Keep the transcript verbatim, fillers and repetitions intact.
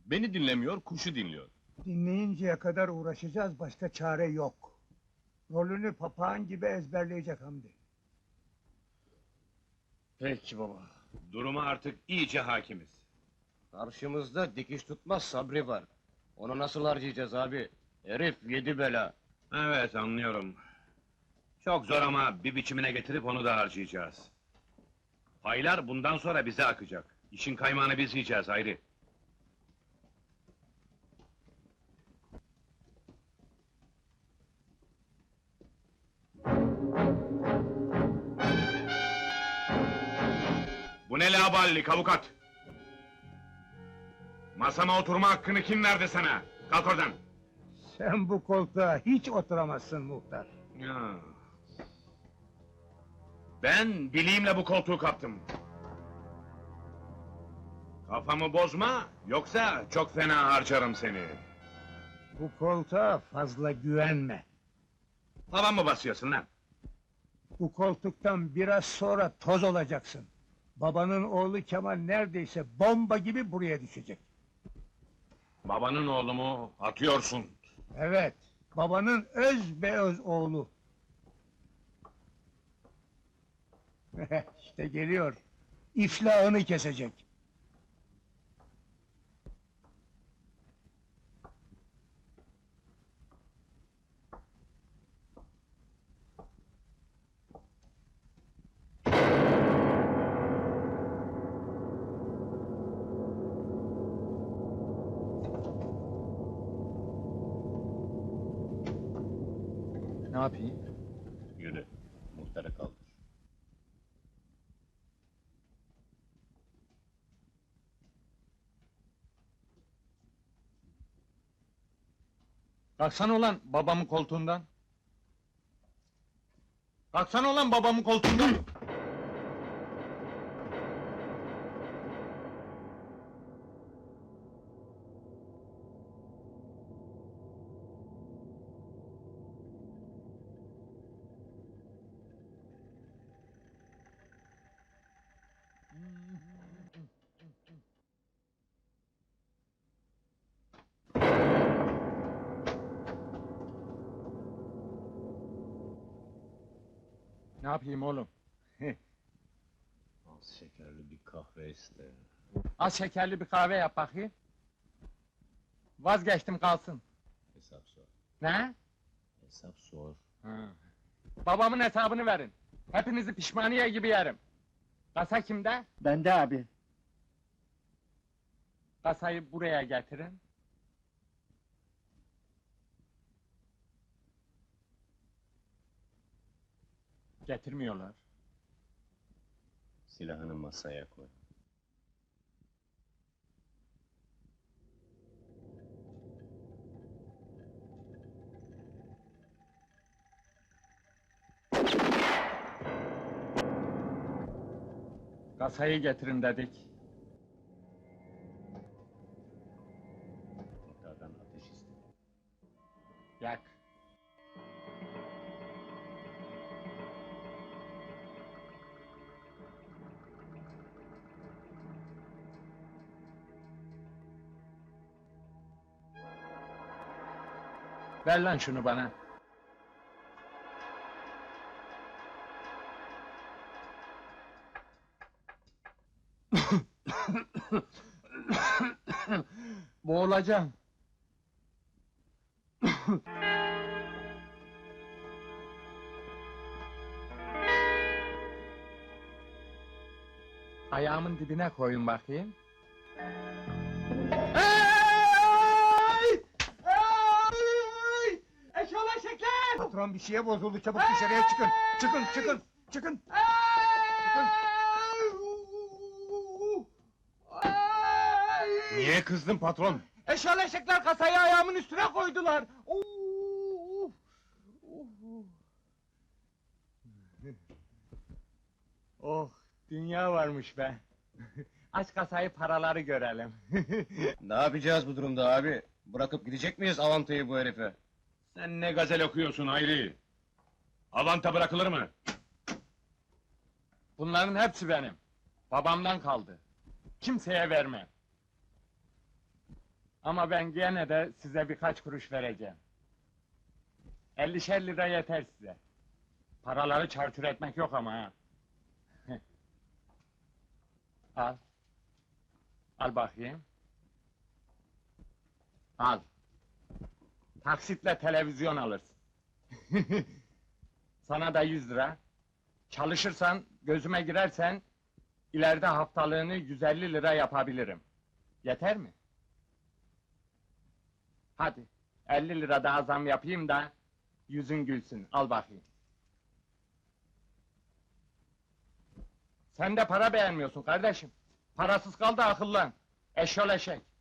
Beni dinlemiyor, kuşu dinliyor. Dinleyinceye kadar uğraşacağız, başka çare yok. Rolünü papağan gibi ezberleyecek Hamdi. Peki baba. Duruma artık iyice hakimiz. Karşımızda dikiş tutmaz Sabri var. Onu nasıl harcayacağız abi? Herif yedi bela. Evet, anlıyorum. Çok zor ama bir biçimine getirip onu da harcayacağız. Paylar bundan sonra bize akacak. İşin kaymağını biz yiyeceğiz Hayri. Bu ne laballik avukat? Masama oturma hakkını kim verdi sana? Kalk oradan! Sen bu koltuğa hiç oturamazsın muhtar. Ya. Ben bileğimle bu koltuğu kaptım. Kafamı bozma, yoksa çok fena harcarım seni. Bu koltuğa fazla güvenme. Hava mı basıyorsun lan? Bu koltuktan biraz sonra toz olacaksın. Babanın oğlu Kemal neredeyse bomba gibi buraya düşecek. Babanın oğlu mu? Atıyorsun. Evet, babanın öz be öz oğlu. İşte geliyor. İflahını kesecek. Ne yapayım? Yürü, muhtarı kaldır. Kalksana ulan babamın koltuğundan. Kalksana ulan babamın koltuğundan. Ne yapayım oğlum? Az şekerli bir kahve iste. Az şekerli bir kahve yap bakayım. Vazgeçtim kalsın. Hesap sor. Ne? Hesap sor. Ha. Babamın hesabını verin. Hepinizi pişmaniye gibi yerim. Kasa kimde? Bende abi. Kasayı buraya getirin. Getirmiyorlar. Silahını masaya koy. Kasayı getirin dedik. Muhtardan ateş iste. Yak. Ver lan şunu bana. Boğulacağım. Ayağımın dibine koyun bakayım. Hey! Hey! Eşolaşıklar! Patron bir şeye bozuldu, çabuk dışarıya çıkın. Çıkın, çıkın, çıkın. Niye kızdın patron? Eşolaşıklar kasayı ayağımın üstüne koydular. Uf! Uf! Oh, dünya varmış be. Aç kasayı, paraları görelim. Ne yapacağız bu durumda abi? Bırakıp gidecek miyiz avantayı bu herife? Sen ne gazel okuyorsun Hayri? Avanta bırakılır mı? Bunların hepsi benim. Babamdan kaldı. Kimseye verme. Ama ben gene de size birkaç kuruş vereceğim. Ellişer lira yeter size. Paraları çarçur etmek yok ama ha. Al. Al bakayım. Al. Taksitle televizyon alırsın. Sana da yüz lira. Çalışırsan, gözüme girersen, ileride haftalığını yüz elli lira yapabilirim. Yeter mi? Hadi, elli lira daha zam yapayım da, yüzün gülsün, al bakayım. Sen de para beğenmiyorsun kardeşim. Parasız kal da akıllan. Eşyol eşek.